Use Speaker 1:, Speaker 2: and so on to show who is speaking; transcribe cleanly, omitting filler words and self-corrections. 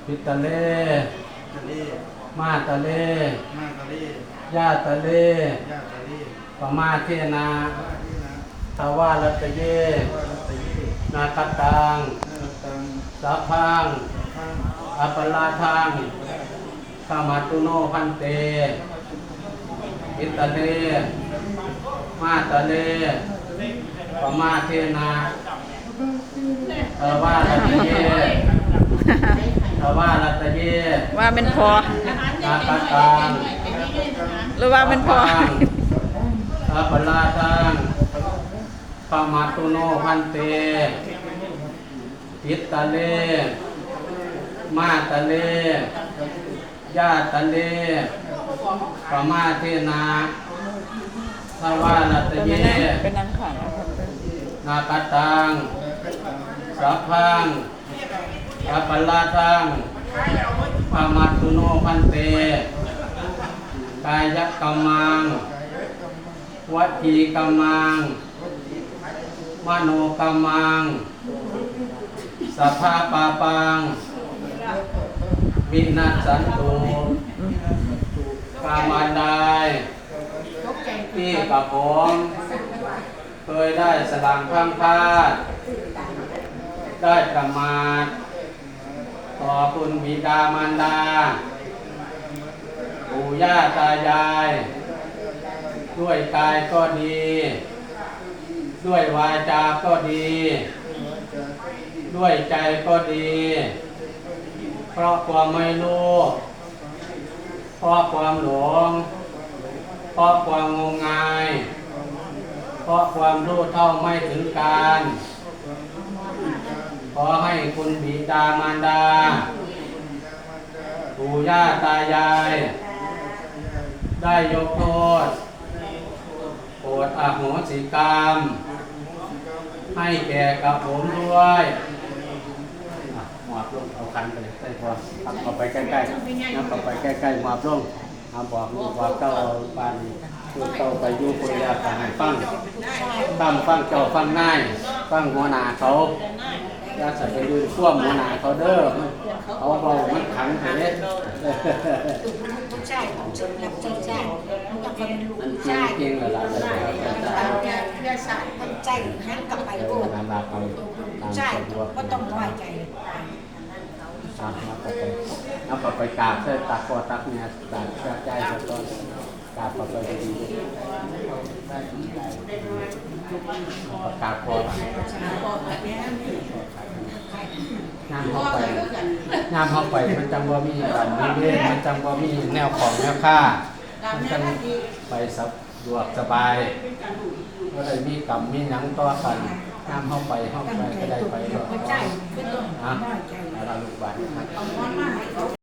Speaker 1: ปิตะเล
Speaker 2: ตะเล
Speaker 1: มาตะเล
Speaker 2: มาตะเล
Speaker 1: ญาตะเล
Speaker 2: ญาตะเล
Speaker 1: ปมาเทนา
Speaker 2: ว่าที่นะ
Speaker 1: ทวารัตเย
Speaker 2: ว่ารัตเย
Speaker 1: นาคตัง
Speaker 2: นาตัง
Speaker 1: สัพพัง
Speaker 2: พัง
Speaker 1: อัปปลาทังขมาตุโนพันเตปิตะเลมาตะเลปมาเทนาทวารัตเยทวารัตเย
Speaker 3: ว่าเป็นพอ
Speaker 1: นาคตัง
Speaker 3: หรือว่าเป็นพอ
Speaker 1: อัปปลาทังขมาตุโนพันเตปิตะเลมาตะเลญาตะเลปมาเทนาทวารัตเย
Speaker 3: เป็นนางขัง
Speaker 1: นาคตังสัพพังอัปปลาทังปมาตุโนพันเตกายกัมมังวัจีกัมมังมโนกัมมังสัพพะปาปังวินัสสันตุกามันไดที่กับผมเคยได้สลังพังพาดได้ประมาทต่อคุณบิดามารดาปู่ย่าตายายด้วยกายก็ดีด้วยวาจาก็ดีด้วยใจก็ดีเพราะความไม่รู้เพราะความหลงเพราะความงมงายเพราะความรู้เท่าไม่ถึงการขอให้คุณบิดามารดาปู่ย่าตายายได้ยกโทษโปรดอโหสิกรรมให้แก่กับผมด้วยหมอบลงเอาคันไปเลยใส่พอตักเข้าไปใกล้ๆนับเข้าไปใกล้ๆหมอบลงบอกลูกบอกเจ้าปานคือเจ้าไปอยู่คนเดียวกันให้ฟังฟังเจ้าฟังง่ายฟังหัวหน้าเขาอย่าใส่ไปดูท่วมหัวหน้าเขาเด้อเขาเบามันขังเด็ด
Speaker 4: ผู้ชายของฉันรับผู้ชายมันต้องเป็นลูกผู้ชาย
Speaker 1: เก่งเลยล่ะเลย
Speaker 4: มันใจหันกลับไปโกรธผู้ชายก็ต้องน้อยใจ
Speaker 1: เอาไปกราบเส้นตักคอตักเนี่ยตักใจตอนกราบไปดีประกาศคองามเข้าไปมันจังว่ามีกันมีเล่นมันจังว่ามีแนวของแนวค่ามันจังไปสะดวกสบายก็เลยมีกรรมมีหนังต่อกันงามเข้าไปก็ได้ไปก็
Speaker 4: ผู้ชายก็ต้องน้อยใจ
Speaker 1: แล้วลูกบ้าน